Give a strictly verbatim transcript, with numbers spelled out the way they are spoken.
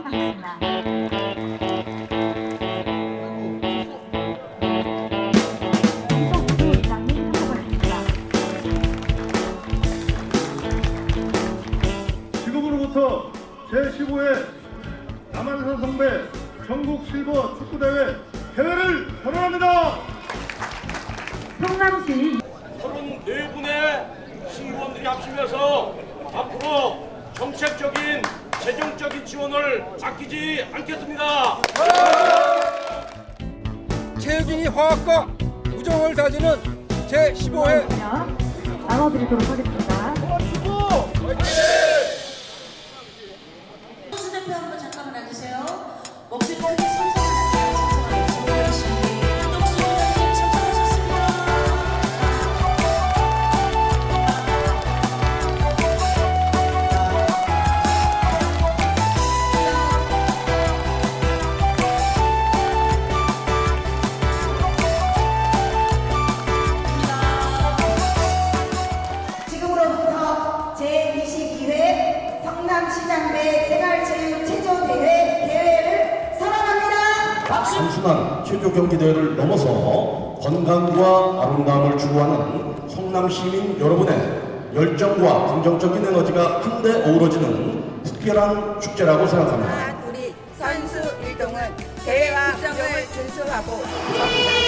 하겠습니다. 이동수 이장님 선포하겠습니다. 지금으로부터 제십오 회 남한산 성배 전국 실버 축구대회 개회를 선언합니다. 성남시 서른네 분의 시의원들이 합치면서 앞으로 정책적인 재정적인 지원을 아끼지 않겠습니다. 체육인이 화학과 우정을 다지는 제십오 회 나눠드리도록 하겠습니다. 선수 대표 한번 잠깐만 앉으세요. 목소리 크게 선수하셨습니다. 한덕수 원장님 참석하셨습니다. 지금으로부터 제이십이 회 성남시장배 생활체육체조대회 개회를 선언합니다. 단순한 체조 경기 대회를 넘어서 건강과 아름다움을 추구하는 성남시민 여러분의 열정과 긍정적인 에너지가 한데 어우러지는 특별한 축제라고 생각합니다. 우리 선수 일동은 대회와 규정을 준수하고